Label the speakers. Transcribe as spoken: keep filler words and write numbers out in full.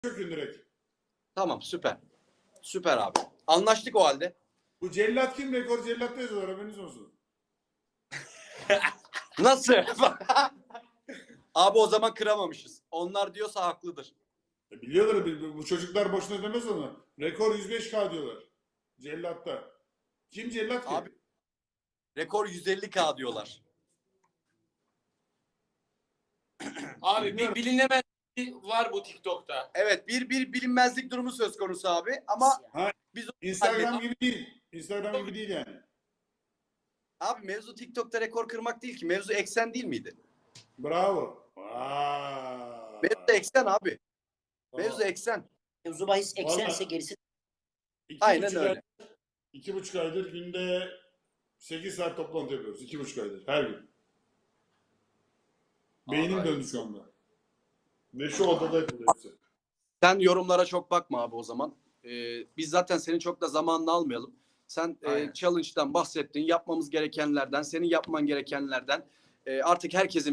Speaker 1: Çökün direkt.
Speaker 2: Tamam, süper. Süper abi. Anlaştık o halde.
Speaker 1: Bu cellat kim? Rekor cellatta yazıyorlar, haberiniz olsun.
Speaker 2: Nasıl? Abi o zaman kıramamışız. Onlar diyorsa haklıdır.
Speaker 1: E biliyorlar, bu bu çocuklar boşuna demez onu. Rekor yüz beş K diyorlar. Cellatta. Kim cellat ki?
Speaker 2: Abi rekor yüz elli K diyorlar.
Speaker 3: Abi bir bilinemez var bu TikTok'ta.
Speaker 2: Evet, bir bir bilinmezlik durumu söz konusu abi ama
Speaker 1: Ha,
Speaker 2: biz
Speaker 1: Instagram
Speaker 2: hallettik.
Speaker 1: gibi değil. Instagram gibi değil yani.
Speaker 2: Abi mevzu TikTok'ta rekor kırmak değil ki. Mevzu eksen değil miydi?
Speaker 1: Bravo. Vay.
Speaker 2: Mevzu eksen abi.
Speaker 1: Tamam.
Speaker 2: Mevzu eksen.
Speaker 4: Mevzu bahis eksense
Speaker 1: Vallahi-
Speaker 4: gerisi
Speaker 1: İki
Speaker 2: Aynen
Speaker 1: buçuk
Speaker 2: öyle.
Speaker 1: Ay, iki buçuk aydır günde sekiz saat toplantı yapıyoruz. İki buçuk aydır. Her gün. Beynim
Speaker 2: Vallahi.
Speaker 1: döndü şu anda. Ve şu odada yapılıyor hepsi.
Speaker 2: Sen yorumlara çok bakma abi o zaman. Ee, biz zaten senin çok da zamanını almayalım. Sen e,
Speaker 3: Aynen.
Speaker 2: challenge'dan bahsettin. Yapmamız gerekenlerden, senin yapman gerekenlerden. E, artık herkesin